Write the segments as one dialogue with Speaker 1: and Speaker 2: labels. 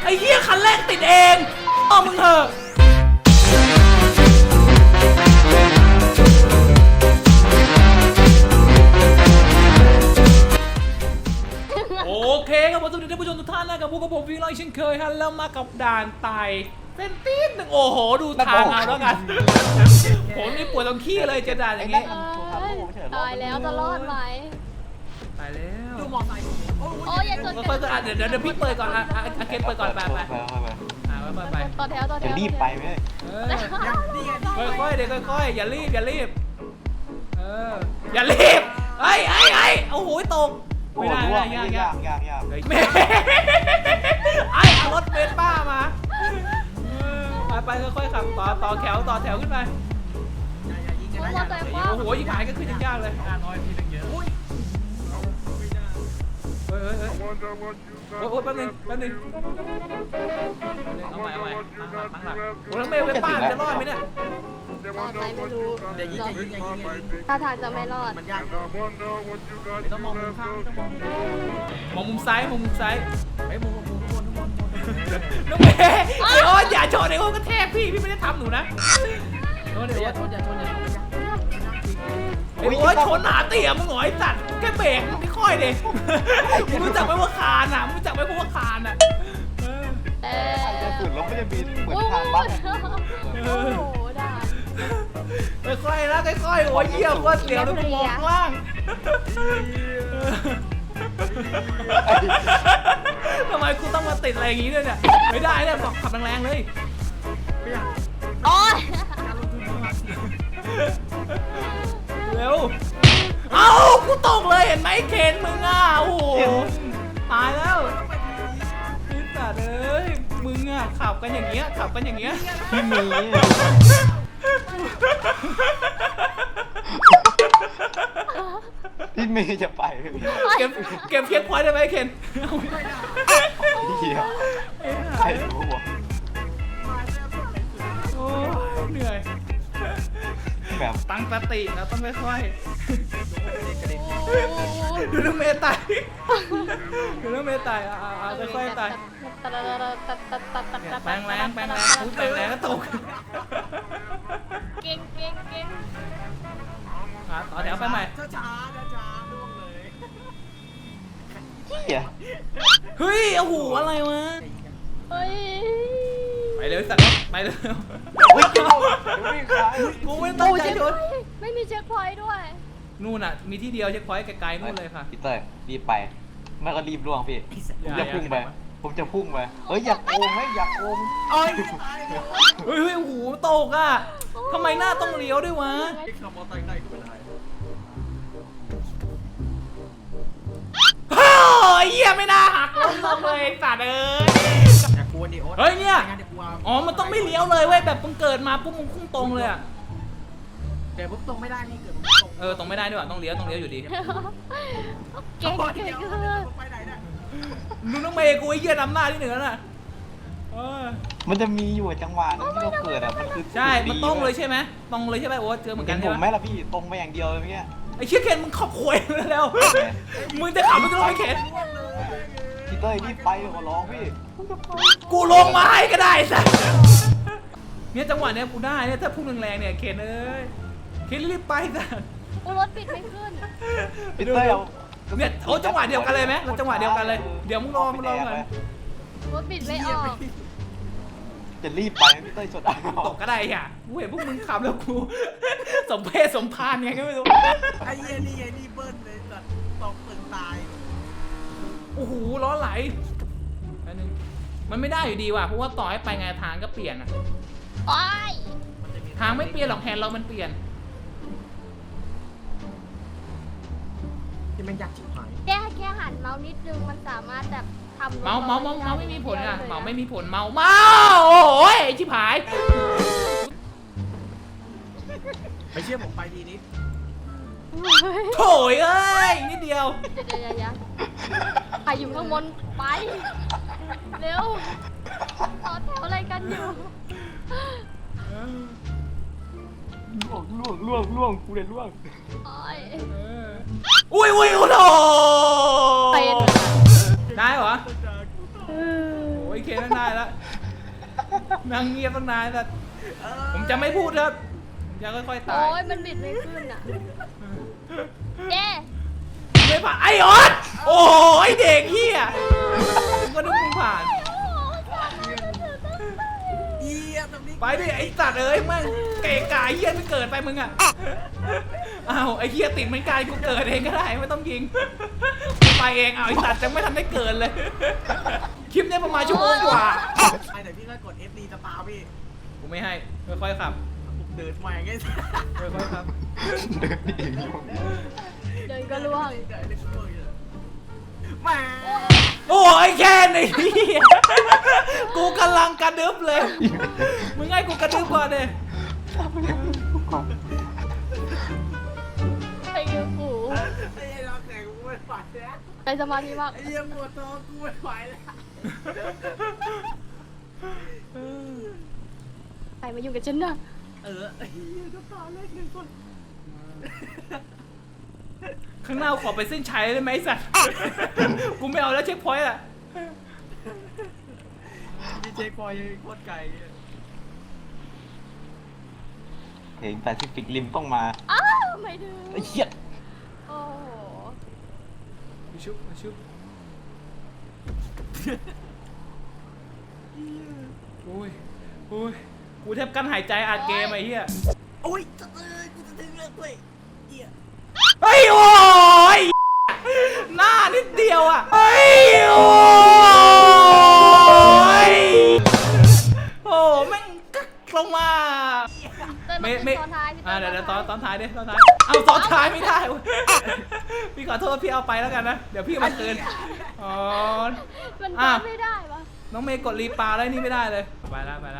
Speaker 1: อ้เหี้ยคันแรกติดเองเอามึงเถอะโอเคครับผมสวัสดีท่านผู้ชมทุกท่านนะครับพวกกับผมพี่น้อยเช่นเคยฮะแล้วมากับด่านไต่เส้นตีนหนึ่งโอ้โหดูทางเอาแล้วกันผมนี่ปวดตรงขี้เลยเจอด่านอย่างงี้
Speaker 2: ตายแล้วจะรอดไหม
Speaker 1: ตายแล้ว
Speaker 3: ดูมอไซค์
Speaker 2: โอ้ยอย่าชน
Speaker 1: ค่อยๆเดี๋ยวพี่เปิดก่อนอาเกนเปิดก่อนไปไป
Speaker 2: ต่อแถวต่อแถ
Speaker 4: จะ
Speaker 2: ว
Speaker 4: รีบไปไหม
Speaker 1: ค่อยๆเดี๋ยวค่อยๆอย่ารีบอย่ารีบไอ้โอ้โหตก
Speaker 4: โอ้
Speaker 1: ไม่
Speaker 4: โห
Speaker 1: ได้
Speaker 4: ร่วง
Speaker 1: ยาก
Speaker 4: ยาก
Speaker 1: แม่เอารถเบนป้ามาไปค่อยๆขับต่อแถวขึ้นไป
Speaker 2: มอเตอร์ไซค์คว่ำ
Speaker 1: โอ้โหยิ่งหายก็ขึ้นยากเลย
Speaker 3: งานน้อยพี่ตั้งเยอะ
Speaker 1: เฮ้ยโอ้ยแป๊บนึงเอาใหม่ตั้งหลักโอ้แล้วเมย์เบนป้าจะรอดไหมเนี่ย
Speaker 2: รอดไหมไม่รู้
Speaker 3: เดี๋ยวยิง
Speaker 2: ถ้าทางจะไม่รอด
Speaker 3: มันยากต้องมองมุมข้างต้องมอง
Speaker 1: มองมุมซ้าย
Speaker 3: ไปมุมทุกคน
Speaker 1: น้องเมย์ไอ้โอ๊ตอย่าชนไอ้โอ๊ตก็แทกพี่ไม่ได้ทำหนูนะโอ๊ต
Speaker 3: อย่าชนอย่า
Speaker 1: ไอ้โอ๊ตชนหนาเตี่ยมึงหงอยสัตว์แค่เบรกไม่ค่อยเลยมึงรู้จักไหมว่าคานอ่ะมึงรู้จักไหมว่าคานอ่ะ
Speaker 4: จะสุดแล้วไม่ได้มีเหมือน
Speaker 2: โอ้
Speaker 4: ทางบ้าน
Speaker 2: โหด่าน
Speaker 1: ค่อยๆนะค่อยๆโอ้ยเยี่ยมว่าเสียวดูกูมองข้างล่างทำไมกูต้องมาติดอะไรอย่างงี้ด้วยเนี่ยไม่ได้เนี่ยบอกขับแรงๆเลย
Speaker 2: โอ้ย
Speaker 1: เร็วเอ้ากูตกเลยเห็นไหมเคนมึงอ่ะโอ้โหตายแล้วพี่สัตว์เอ้ยมึงอ่ะขับกันอย่างเงี้ย
Speaker 4: ที่มีที่มีจะไป
Speaker 1: เก็บเพียงพอยต์ได้ไหมเคน
Speaker 4: เหี้ยใครรู้วะ
Speaker 1: โอ้ยเหนื่อย
Speaker 4: แบบ
Speaker 1: ตั้งสติแล้วต้องค่อยๆดูน้องเมย์ตายค่อยๆตายแปลงแรงพูดแปลงแรงก็ตก
Speaker 2: เก่ง
Speaker 1: ต่อแถวไปใหม่
Speaker 3: ช้าล่วงเลย
Speaker 4: เหี้ย
Speaker 1: เฮ้ยโอ้โหอะไรวะ
Speaker 2: เฮ้ย
Speaker 1: ไปเร็วสัตว์ไปเร็ว
Speaker 4: วิ่งเข้าวิ่งขาย
Speaker 1: กูไม่ตั้งใจชน
Speaker 2: ไม่มีเช็คพอยต์ด้วย
Speaker 1: นู่นอ่ะมีที่เดียวเช็คพอยต์ไกลๆนู่นเลยค่ะ
Speaker 4: พี่เต้ยรีบไปไม่ก็รีบล่วงพี่ผมจะพุ่งไปเฮ้ยอยากโกงไหมอยากโกง
Speaker 3: โอ้ย
Speaker 1: เฮ้ยโอ้โหตกอ่ะทำไมหน้าต้องเลี้ยวด้วยวะ
Speaker 3: ขับมอเตอร์ไซค์ได้ก็ไม่ได้
Speaker 1: โอ้ยเหี้ยไม่น่าหักลงเลยสัตว์เอ้ย
Speaker 3: อย่ากลัวดิโอ๊ต
Speaker 1: เฮ้ยเนี่ย
Speaker 3: งั้นเดี๋ยวกลัว
Speaker 1: อ๋อมันต้องไม่เลี้ยวเลยเว้ยแบบมึงเกิดมาปุ๊บมึงพุ่งตรงเลยอ่ะ
Speaker 3: เดี๋ยวปุ๊บตรงไม่ได้นี่เกิดตรง
Speaker 1: ตรงไม่ได้ด้วยว่ะต้องเลี้ยวอยู่ดี
Speaker 2: เก่ง
Speaker 3: ไปไหนเนี่ย
Speaker 1: มึงต้องเมย์กูไอ้เหี้ยนำหน้าที่หนึ่งแล้วน่ะ
Speaker 4: มันจะมีอยู่จังหวะนึงที่เราเกิดอ่ะมันคือ
Speaker 1: ใช่มันตรงเลยใช่ไหมตรงเลยใช่ไหมโอ้เจอเหมือน
Speaker 4: เห็
Speaker 1: กัน
Speaker 4: นผ
Speaker 1: ใช่
Speaker 4: ม
Speaker 1: ไห
Speaker 4: ไห
Speaker 1: ม
Speaker 4: มล่ะพี่ตรงไปอย่างเดียวเลยเมื่อกี้
Speaker 1: ไอ้เชี่ยเคนมึงขอบควยแล้วมึงจะขับมึงจะลงไปเข็น
Speaker 4: พี่เต้ยรีบไปขอร้องพี่
Speaker 1: กูลงมาให้ก็ได้สัสเนี่ยจังหวะเนี้ยกูได้เนี่ยถ้าพุ่งแรงๆเนี่ยเคนเอ้ยเคนรีบไปสัส
Speaker 2: รถปิดไม่ขึ้น
Speaker 4: พี่เต้ยเอา
Speaker 1: เนี่ยโอ้จังหวะเดียวกันเลยไหมเราจังหวะเดียวกันเลยเดี๋ยวมึงรอก่อน
Speaker 2: รถปิดไม่ออก
Speaker 4: จะรีบไปพี่เต้ยสดอ่ะ
Speaker 1: ตกก็ได้อ่ะกูเห็นพวกมึงขับแล้วกูสมเพศสมพานไงก็ไม่รู้
Speaker 3: ไอ้เหี้ยนี่เบิ้ลเลยสัตว์ตกตึกตาย
Speaker 1: โอ้โหล้อไหลอันนึงมันไม่ได้อยู่ดีว่ะเพราะว่าต่อให้ไปไงทางก็เปลี่ยนอะ
Speaker 2: โอ้ย
Speaker 1: ทางไม่เปลี่ยนหรอกแฮนด์เรามันเปลี่ยน
Speaker 3: ที่มันยากชิบหาย
Speaker 2: แค่หันเมาส์นิดนึงมันสามารถแบบทำ
Speaker 1: เมาไม่มีผลอ่ะเมาไม่มีผลเมาโอ้ยชิบหาย
Speaker 3: ไปเชื่อผมไปทีนี้
Speaker 1: โถยเอ้ยนิดเดียว
Speaker 2: เดี๋ยวใครอยู่ข้างบนไป เร็วต่อแถวอะไรกันอยู่
Speaker 4: ล่วงกูเลยล่วง
Speaker 2: โอ้ย
Speaker 1: อุ้ยโอ้โห
Speaker 2: เป็น
Speaker 1: ได้เหรอโอ้ยเคตั้งนานแล้วนั่งเงียบตั้งนานแต่ผมจะไม่พูดครับผมจะค่อยๆตาย
Speaker 2: โอ้ยมันบิดไม่ขึ้นอ่ะเย้
Speaker 1: ไม่ผ่านไอ้ออสโอ้ยเด็กเฮียมึงก็นึกมึงผ่านไปดิไอ้สัตว์เอ้ยแม่งเก๋กายเฮียไม่เกิดไปมึงอ่ะอ้าวไอ้เฮียติดเหมือนกันกูเกิดเองก็ได้ไม่ต้องยิงกูไปเองอ้าวไอ้สัตว์ยังไม่ทันได้เกิดเลยคลิปนี้ประมาณชั่วโมงกว่า
Speaker 5: ไอ้แต่พี่ก็กด FD จะปาพี่
Speaker 1: กูไม่ให้ค่อยๆขับ
Speaker 5: เดินใหม่ไง
Speaker 1: ค่อยๆขับ
Speaker 4: เดินเองอยู่
Speaker 2: เดินก็ล่วง
Speaker 5: เดินก็ล่วงอยู่แหม
Speaker 1: โอ้ยแค่นี้กูกำลังกระดึบเลยมึงให้กูกระดึบก่อนเลย
Speaker 2: ไอ้เงี้ยกู
Speaker 5: ไอ้เราแข่งกูไม่ไหวแล้ว
Speaker 2: ไปสมาธิมาก
Speaker 5: ไอ้ยังปวดท้องกูไม่ไหวแล้ว
Speaker 2: ใครมาอยู่กับฉันน่ะ
Speaker 5: ไอ้ก็ตาเล็กหนึ่งคน
Speaker 1: ข้างหน้าขอไปเส้นชัยได้ไหมไอ้สัตว์ กูไม่เอาแล้วเช็คพอยต์อะ
Speaker 5: พี่เจ๊คอยยังโคตรไกล
Speaker 4: เพลงแปซิฟิกริมต้องมา
Speaker 2: อ้าวไม่ถึง
Speaker 4: ไอ้เหี้ย
Speaker 2: โอ้โห
Speaker 1: มาชุบมาชุบโอ้ยโอ้ยกูแทบกั้นหายใจอัดเกมไอ้เหี้ย
Speaker 5: โอ้ยจะกูจะถึงเรื่องด้วยเหี้ย
Speaker 1: เฮ้ยโอ้ยหน้านิดเดียวอ่ะเฮ้ยโอ้ยโอ้แม่งกักลงมา
Speaker 2: เต้ยมาขึ้นตอนท้ายพี่
Speaker 1: เดี๋ยว
Speaker 2: ต้
Speaker 1: ตอนท้ายดิตอนท้ายเอาตอนท้ายไม่ได้เว้ยพี่ขอโทษพี่เอาไปแล้วกันนะเดี๋ยวพี่มาคืนอ๋อ
Speaker 2: มันเดินไม่ได้ปะ
Speaker 1: น้องเมย์กดรีปาแล้วนี่ไม่ได้เลยไปแล้วไปแล้ว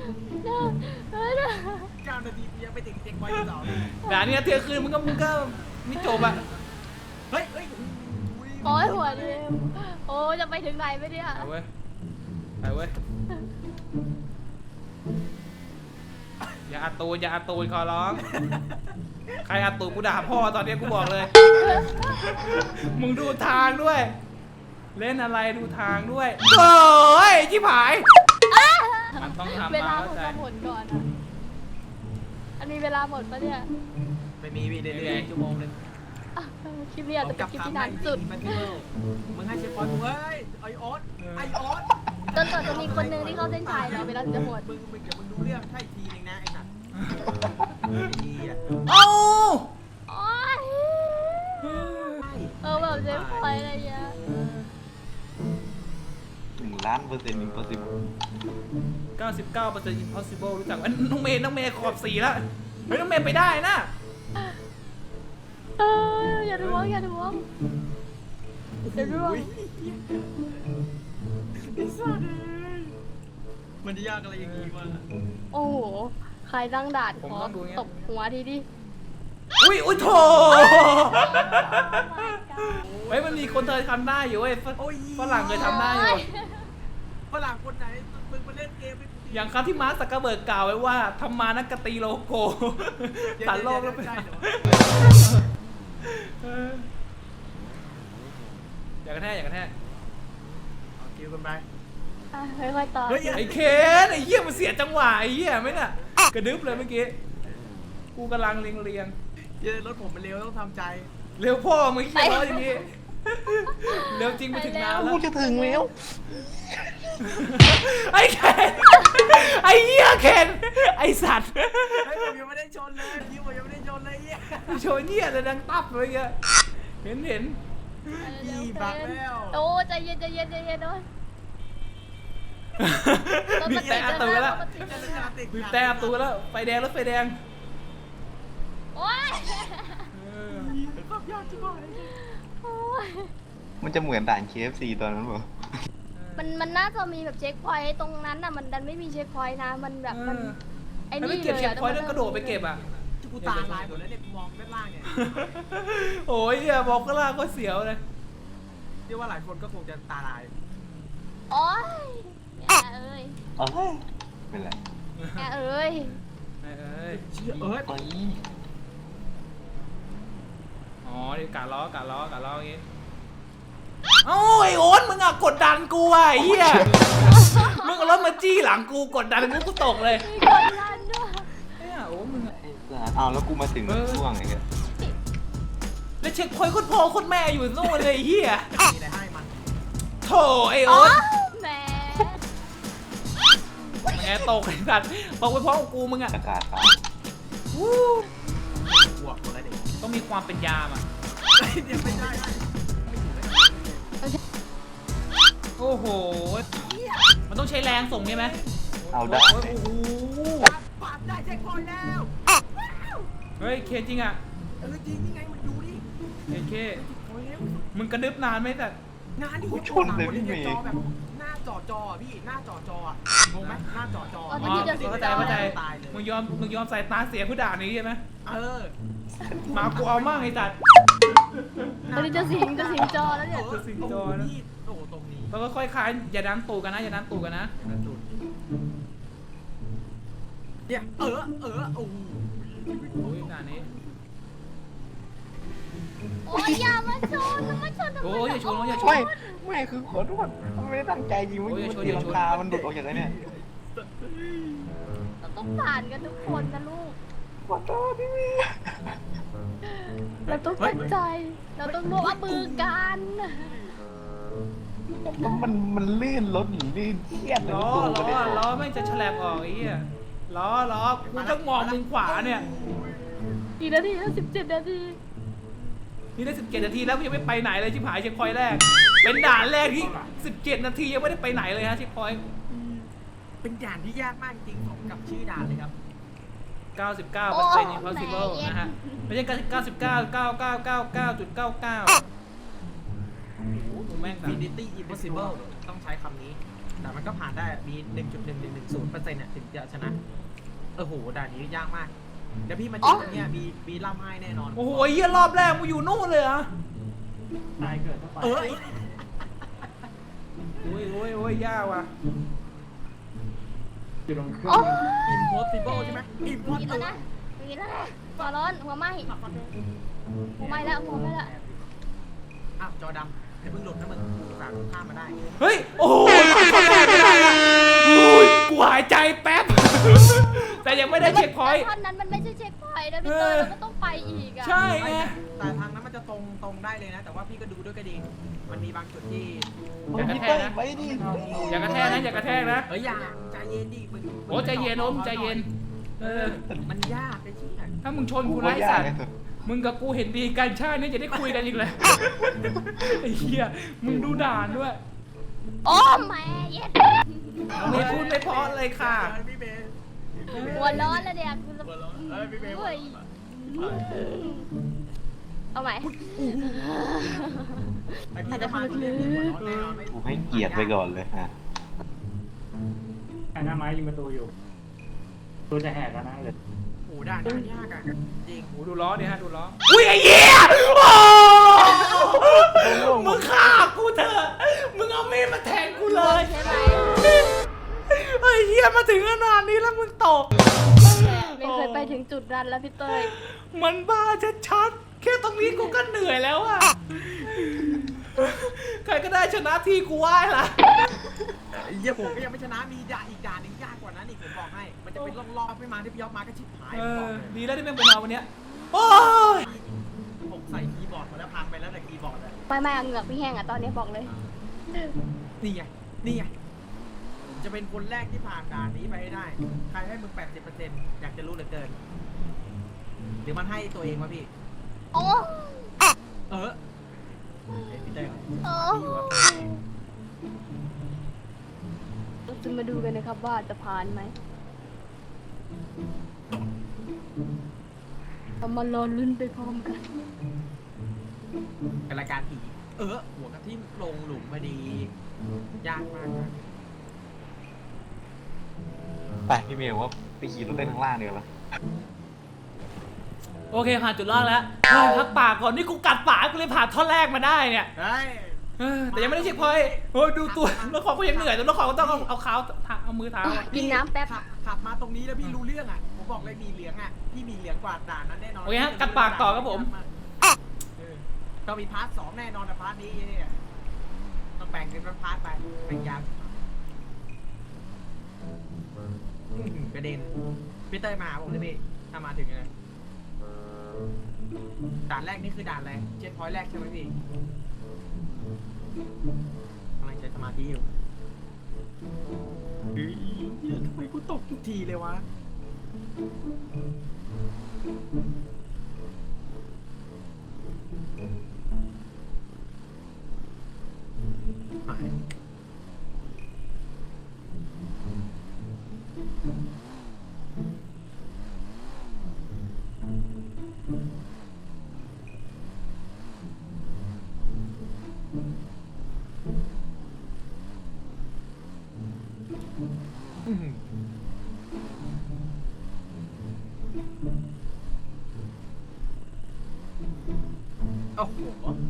Speaker 5: 9 นาทียังไปถึงเจ๊คอยที่สอง
Speaker 1: ด่านนี้เที่ยงคืนมึงก็ไม่จบอ่ะ
Speaker 5: เฮ้ย
Speaker 2: โอ้ยหัวเดียวโอ้จะไปถึงไหนไม่เนี่ย
Speaker 1: ไปเว้ยไปเว้ยอย่าอัดตูนอย่าอัดตูนขอร้องใครอัดตูนกูด่าพ่อตอนนี้กูบอกเลย มึงดูทางด้วย เล่นอะไรดูทางด้วยโอ้ยชิบหายมันต้องทำ
Speaker 2: เว
Speaker 1: มา
Speaker 2: ลา
Speaker 1: เข้า
Speaker 2: ผม
Speaker 1: ใจ
Speaker 2: จะหมดก่อนอ่ะอันนี้เวลาหมดปะเนี่ย
Speaker 5: ไม่มีพี่เรื่อยๆชั่วโมงนึง
Speaker 2: อ่ะคลิปนี้อาจจะเป็นคลิปที่นานสุด
Speaker 5: มึงให้เชฟพอยกูเฮ้ยไอออสไอออส
Speaker 2: จนกว่าจะมีคนหนึ่งที่เข้าเส้นชัยแล้วเวลาถึงจะหมด
Speaker 5: มึงเดี๋ยวมึงดูเรื่องให้ทีนึงนะไอ้สัตว์ไอ้เหี้ย
Speaker 1: เอ้า
Speaker 2: โอ๊ยแบบเจ๊พอยอะไรเงี้ย
Speaker 4: 1,000,000% impossible
Speaker 1: 99% impossible รู้จักอันน้องเมย์ขอบ4แล้วเฮ้ยน้องเมย์ไปได้นะ
Speaker 2: อย่าดวงอย่าดวงอย่าดวง
Speaker 5: ไอ้สัตว์มันจะยากอะไรอย่างงี้วะ
Speaker 2: โอ้โหใครตั้งด่านขอตบหัวทีดิ
Speaker 1: อุ้ยโถเฮ้ยมันมีคนเคยทำได้อยู่เว้ยฝรั่งเคยทำได้อยู่
Speaker 5: ฝรั่งคนไหนมึงมาเล่นเกมให้กู
Speaker 1: อย่างครั้งที่มาร์คซักเกอร์เบิร์กกล่าวไว้ว่าทำมานักกตีโลโก้ตัดโลกแล้วไป
Speaker 5: ได้เหรอ
Speaker 1: อย่ากระแทกอย่ากระแทก
Speaker 5: เอาคิวกันไป
Speaker 2: ค่อยๆต่อ
Speaker 5: เฮ้ย
Speaker 1: ไอ้เคนไอ้เหี้ยมันเสียจังหวะไอ้เหี้ยไหมน่ะกระดึ๊บเลยเมื่อกี้กูกำลังเรียง
Speaker 5: เจอรถผมมันเร็วต้องทำใจ
Speaker 1: เร็วพ่อมึงเหี้ยร้อยอย่างนี้เร็วจริงไปถึงนานแล้ว
Speaker 4: กูจะถึงแล้ว
Speaker 1: ไอ้เคนไอ้เหี้ยเคนไอ้สัตว์
Speaker 5: เฮ้ยผมยังไม่ได้ชนเลยคิวผมยังไม่ได้ชนเลยเหี้ย
Speaker 1: โชว์เนี่ยเลยดังตับเลยเงี้ยเห็น
Speaker 5: พี่บักแล้ว
Speaker 2: โอ้ใจเย็นใจเย็นใจเย็นด้วย
Speaker 1: บีบแต่อัดตูแล้ว
Speaker 5: ติด
Speaker 1: บีบแต่อัดตูแล้วไฟแดงรถไฟแดง
Speaker 2: โอ้ย
Speaker 5: ความยากจังเลย
Speaker 2: โอ้ย
Speaker 4: มันจะเหมือนด่าน KFC ตอนนั้นป่ะ
Speaker 2: มันน่าจะมีแบบเช็คพอยต์ตรงนั้นน่ะมันดันไม่มีเช็คพอยต์นะมันแบบมันไอ้
Speaker 1: มัน
Speaker 2: นี่
Speaker 1: ไม่เก็บ
Speaker 2: เลย
Speaker 1: เช็ค
Speaker 2: อะ
Speaker 1: พอยต์แล้วกระโดดไปเก็บอ่ะ
Speaker 5: กูตาลายหมดแล้วเนี่ยกูมองด้านล่างเนี่ย
Speaker 1: โอ้ยอย่าบอกก็ล่าก็เสียวเลย
Speaker 5: เชื่อว่าหลายคนก็คงจะตาลาย
Speaker 2: โอ้ยแม่เอ้ย
Speaker 4: เอ้ยเป็นไร
Speaker 2: แม่เอ้ย
Speaker 1: เอ้ย
Speaker 5: เชื่อเอ้ย
Speaker 4: เอ้ย
Speaker 1: อ๋อนี่กะล้อย่างงี้โอ้ยโอ๊ตมึงอะกดดันกูอะไอ้เหี้ยมึงเอารถมาจี้หลังกูกดดันกูตกเลย
Speaker 2: มีคนลั่นด้วย
Speaker 1: เนี่ยโอ้มึงอะ
Speaker 4: ไอ้สัสอ้าวแล้วกูมาถึงช่วงไหนกัน
Speaker 1: แล้วเช็คพอยต์โคตรพ่อโคตรแม่อยู่นู่นเลยไอ้เหี้ย
Speaker 5: มีอะไรให้มัน
Speaker 1: โธ่ไอ้
Speaker 2: อ๋อ
Speaker 1: โอ๊ต
Speaker 2: แหม
Speaker 1: แง่ตกไอ้สัตว์ตกไปพร้อมกับกูมึงอะ
Speaker 4: อากาศครับ
Speaker 1: วู้
Speaker 5: บวกหมดแล้วเด็ก
Speaker 1: ต้องมีความเป็นยามอะ
Speaker 5: เดี๋ยวไม่ได้
Speaker 1: โอ้โหมันต้องใช้แรงส่งใช่ไหม
Speaker 4: เอาได้
Speaker 1: โอ้โห
Speaker 5: ปาดได้เช็คพอยต์แล้ว
Speaker 1: เฮ้ยเคจริงอะ
Speaker 5: จริงนี่ไงมันดูดิ
Speaker 1: เค
Speaker 5: โอ้ยแล้ว
Speaker 1: มึงกระดึบนานไหมแต่
Speaker 5: งานที่
Speaker 4: กูชนเลยพี่เมย์
Speaker 5: จอแบบหน้าจอพี่หน้าจออ่ะงงไหมหน้าจอ
Speaker 1: อ๋อเข้าใจมึงยอมใส่ตาเสียผู้ด่านี้ใช่ไหม
Speaker 5: เออ
Speaker 1: มากูเอามากไอ้สัตว์
Speaker 2: ตอนนี้จะสิงจอแล้วเนี่ย
Speaker 1: สิงจอนะ
Speaker 5: โอ้ตรงนี้
Speaker 1: แล้วก็ค่อยคลายอย่าดันตูกันนะอย่าดันตูกันนะ
Speaker 5: เนี่ยโอ้โห
Speaker 1: โอ้ยด่านนี้
Speaker 2: โอ้ยอย่ามาชนทำไม
Speaker 1: โอ้ยอย่าชนอย่าช
Speaker 4: ไม่
Speaker 1: น
Speaker 4: ไม่คือขอโทษมันไม่ได้ตั้งใจยิงมัน
Speaker 1: โอ้ยอย่าชน
Speaker 4: ตี
Speaker 1: อย่า
Speaker 4: ลั
Speaker 1: ช
Speaker 4: ง
Speaker 1: น
Speaker 4: คามันหลุดออกจากไอ้เนี่ย
Speaker 2: เราต้องผ่านกันทุกคนนะลูก
Speaker 4: ขอโทษพี่เมย์
Speaker 2: เราต้องตั้งใจ เราต้องร่วมมือกัน
Speaker 4: มันลื่นรถหรือลื่นเครียดเลย
Speaker 1: ล้อไม่งจะฉลับออกไอ้เหี้ยล้อกูต้องมองมุมขวาเนี่ย
Speaker 2: กี่นาทีแล้ว17 นาที
Speaker 1: นี่ได้17 นาทีแล้วยังไม่ไปไหนเลยชิบหายเช็คพอยต์แรกเป็นด่านแรกที่17 นาทียังไม่ได้ไปไหนเลยฮะเช็คพอยต์
Speaker 5: เป็นด่านที่ยากมากจริงของกับชื่อด่านเลยครับ
Speaker 1: 99% impossible นะฮะไม่ใช่99.9999.99กูแม่งแบบ
Speaker 5: Infinity Impossible ต้องใช้คำนี้ แต่มันก็ผ่านได้มี 1.1110%เนี่ยถึงจะชนะโอ้โหด่านนี้ยากมากเดี๋ยวพี่มาเจอตรงเนี้ยมีล่ำไห้แน่นอน
Speaker 1: โอ้โหเหี้ยรอบแรกมึงอยู่นู่นเลยเหรอ
Speaker 5: เออ
Speaker 1: โอ้ยยากว่ะ
Speaker 2: โอ้
Speaker 5: Impossible ใช่ไหม
Speaker 2: มีแล้วนะมีแล้วนะหัวร้อนหัวไหม้หัวไหม้แล้วหัวไหม้แล้ว
Speaker 5: อ้าวจอดำอย่าเพิ่งหลุดนะมึงฝากข้ามมาได้
Speaker 1: เฮ้ยโอ้โหเข้าได้ไม่ได้ละโอ้ยกูหายใจแป๊บ แต่ยังไม่ได้เช็คพอยต์
Speaker 2: ท่อนนั้นมันไม่ใช่เช็คพอยต์นะพี่เตอร์เราก็ต้องไปอีกอ่ะ
Speaker 1: ใช่ไง
Speaker 5: แต่ทางนั้นมันจะตรงได้เลยนะ แต่ว่าพี่ก็ดูด้วยก็ดี มันมีบางจุดที่
Speaker 1: อย่ากระแทกนะ
Speaker 4: ไปดิ
Speaker 1: อย่ากระแทกนะอย่ากระแทกนะ
Speaker 5: เฮ้ยอย่าใจเย็นดิมึง
Speaker 1: โอ้ใจเย็นโอมใจเย็นเออ
Speaker 5: มันยากไอ้ชี้ย
Speaker 1: ถ้ามึงชนกูไร้สัตว์มึงกับกูเห็นดีกันชาตินี้จะได้คุยกันอีกเลยไอ้เหี้ยมึงดูด่านด้วย
Speaker 2: โอ้แม่เย็ด
Speaker 1: ไม่พูดไม่เพราะเลยค่ะ
Speaker 5: พี่เบย์
Speaker 2: หัวร้อนแล้วเนี่ยคือ
Speaker 5: หัวเราะพี่เบย์
Speaker 2: เฮ้ยเอาใหม่
Speaker 5: ไอพี่จะมาตรงนี้หัวเราะแน่นอนไม่
Speaker 4: กูให้เกียรติไปก่อนเลยฮะ
Speaker 6: หน้าไม้ยิงประตูอยู่ตัวจะแหกแล้วนะเลย
Speaker 5: โอ้ด่านยากอ่ะจริง
Speaker 1: โอ้ดูล้อเนี่ยฮะดูล้ออุ้ยไอ้เหี้ยโอ้มึงฆ่ากูเถอะมึงเอามีดมาแทงกูเลย
Speaker 2: ใช่ไหม
Speaker 1: ไอ้เหี้ยมาถึงขนาดนี้แล้วมึงตก
Speaker 2: ไม่เคยไปถึงจุดนั้นแล้วพี่เตย
Speaker 1: มันบ้าชัดๆแค่ตรงนี้กูก็เหนื่อยแล้วอะใครก็ได้ชนะที่กูไหว้ละ
Speaker 5: เยี่ยผมก็ยังไม่ชนะมีด่านอีกด่านนึงยากกว่านั้นอีกผมบอกให้ มันจะเป็นรอบๆไม่มาที่พี่ยอมมาก็ชิบหาย
Speaker 1: เอ
Speaker 5: ผมบ
Speaker 1: อ
Speaker 5: อกเลย
Speaker 1: ดีแล้วที่แม่งเป็นเราวันเนี้ยโอ้ย
Speaker 5: ผมใส่คีย์บอร์ดมาแล้วพังไปแล้วแต่คีย์บอร์ดอะ
Speaker 2: ไม่เอาเหงือกพี่แห้งอ่ะตอนนี้บอกเลย
Speaker 5: นี่ไงนี่ไงจะเป็นคนแรกที่ผ่านด่านนี้ไปให้ได้ ใครให้มึง 80%อยากจะรู้เหลือเกินหรือมันให้ตัวเองวะพี่
Speaker 2: โอ้
Speaker 5: เออพี่เต้ย
Speaker 2: โอ้เราจะมาดูกันนะครับว่าจะผ่านไหมเรามารอลุ้นไปพร้อมกัน
Speaker 5: กับรายการผีหัวกระทิ่มลงหลุมพอดียากมากนะ
Speaker 4: ไปพี่เมย์ว่าไปขี่รถเล่นข้างล่างเดียวละ
Speaker 1: โอเคผ่านจุดรอดแล้วเฮ้ยพักปากก่อนนี่กูกัดปากกูเลยผ่านท่อนแรกมาได้เนี่ย
Speaker 5: เฮ้ย
Speaker 1: เออแต่ยังไม่ได้เช็คพอยต์โอ้ยดูตัวแล้วของกูยังเหนื่อยแต่แล้วของก็ต้องเอาเท้าเอามือเท้าอะ
Speaker 2: กินน้ำแป๊บ
Speaker 5: ขับมาตรงนี้แล้วพี่รู้เรื่องอ่ะผมบอกเลยมีเหลืองอ่ะพี่มีเหลืองกว่าด่านนั้นแน่นอน
Speaker 1: โอเคฮะกัดปากต่อครับผม
Speaker 5: ก็มีพาร์ท 2แน่นอนแต่พาร์ทนี้เนี่ยแบ่งเป็นพาร์ทไปแบ่งยาวกระเด็นพี่เต้ยมาผมเลยพี่ถ้ามาถึงเลยด่านแรกนี่คือด่านอะไรเจ็ตพอยต์แรกใช่ไหมพี่กำลังใช้สมาธิอยู่ทำไมกูตกทุกทีเลยวะหายโอ้โห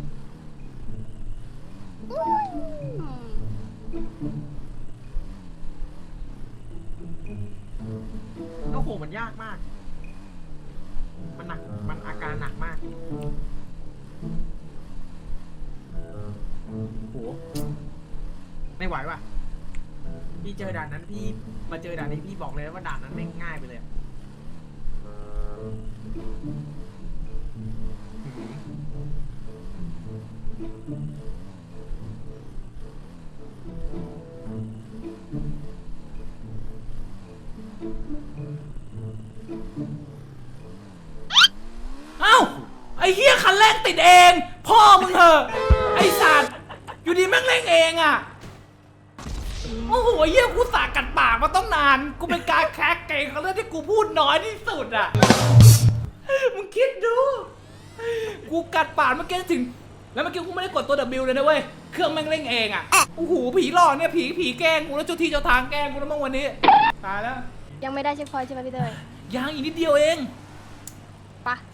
Speaker 5: โอ้โห มันยากมาก มันหนัก มันอาการหนักมากโห ไม่ไหวว่ะ พี่เจอด่านนั้นพี่มาเจอด่านนี้พี่บอกเลยว่าด่านนั้นไม่ง่ายไปเลยอะ
Speaker 1: เอ้าไอ้เหี้ยคันแรกติดเอง พ่อมึงเหอะไอ้สัตว์อยู่ดีแม่งเร่งเองอ่ะโอ้โหเหี้ยกูสากัดปากมาต้องนานกูเป็นการแคกเก่งเขาเรื่องที่กูพูดน้อยที่สุดอ่ะมึงคิดดูกูกัดปากเมื่อกี้ถึงแล้วเมื่อกี้กูไม่ได้กดตัว W เลยนะเว้ยเครื่องแม่งเร่งเองอ่ะโอ้โหผีหลอกเนี่ยผีแกล้งกูแล้วเจ้าที่เจ้าทางแกล้งกูแล้วมั้งวันนี้ตายแล้ว
Speaker 2: ยังไม่ได้เช็คพอยต์ใช่ไหมพี่เตย
Speaker 1: ยังอีกนิดเดียวเอง
Speaker 2: ปะ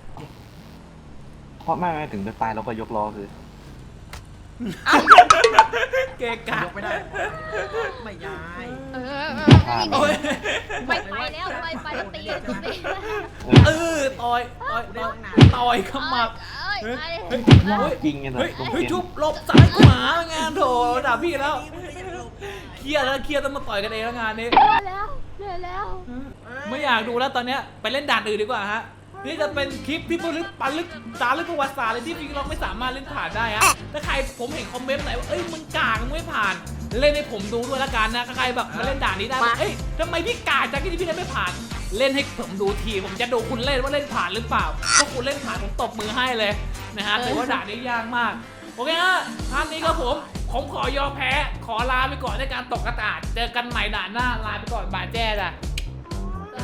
Speaker 4: เพราะไม่ถึงจะตายเราก็ยกล้อคือ
Speaker 1: เกะกะ
Speaker 5: ยกไม่ได้ ไม่ย้าย
Speaker 1: โอ้ย
Speaker 2: ไม่ไปแล้วไม่ไปแล้วตีกันตี
Speaker 1: ต่อยขมับ
Speaker 2: เอ้ย
Speaker 4: จริงไงเลย
Speaker 1: เฮ้ยทุบหลบซ้ายขวางานโถด่าพี่แล้วเครียดต้องมาต่อยกันเองแล้วงานนี้
Speaker 2: เหนื่อยแล้ว
Speaker 1: ไม่อยากดูแล้วตอนเนี้ยไปเล่นด่านอื่นดีกว่าฮะนี่จะเป็นคลิปที่จารึกประวัติศาสตร์เลยที่พี่เราไม่สามารถเล่นผ่านได้ฮะถ้าใครผมเห็นคอมเมนต์ไหนว่าเอ้ยมึงกากมึงไม่ผ่าน เล่นให้ผมดูด้วยละกันนะถ้าใครแบบมาเล่นด่านนี้ได้เอ้ยทำไมพี่กากจังที่พี่เล่นไม่ผ่าน เล่นให้ผมดูทีผมจะดูคุณเล่นว่าเล่นผ่านหรือเปล่าถ้าคุณเล่นผ่านผมตบมือให้เลยนะฮะแต่ว่าด่านนี้ยากมากโอเคฮะท่านนี้ครับผมขอยอมแพ้ขอลาไปก่อนในการตกกระดาษเจอกันใหม่ด่านหน้าลาไปก่อนบายแจ้จ้ะ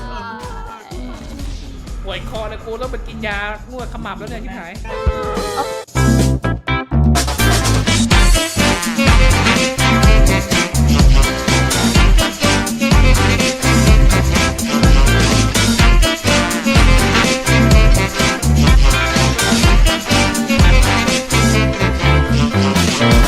Speaker 1: ป่วยคอเลยกูต้องไปกินยานวดขมับแล้วเนี่ยที่ไหน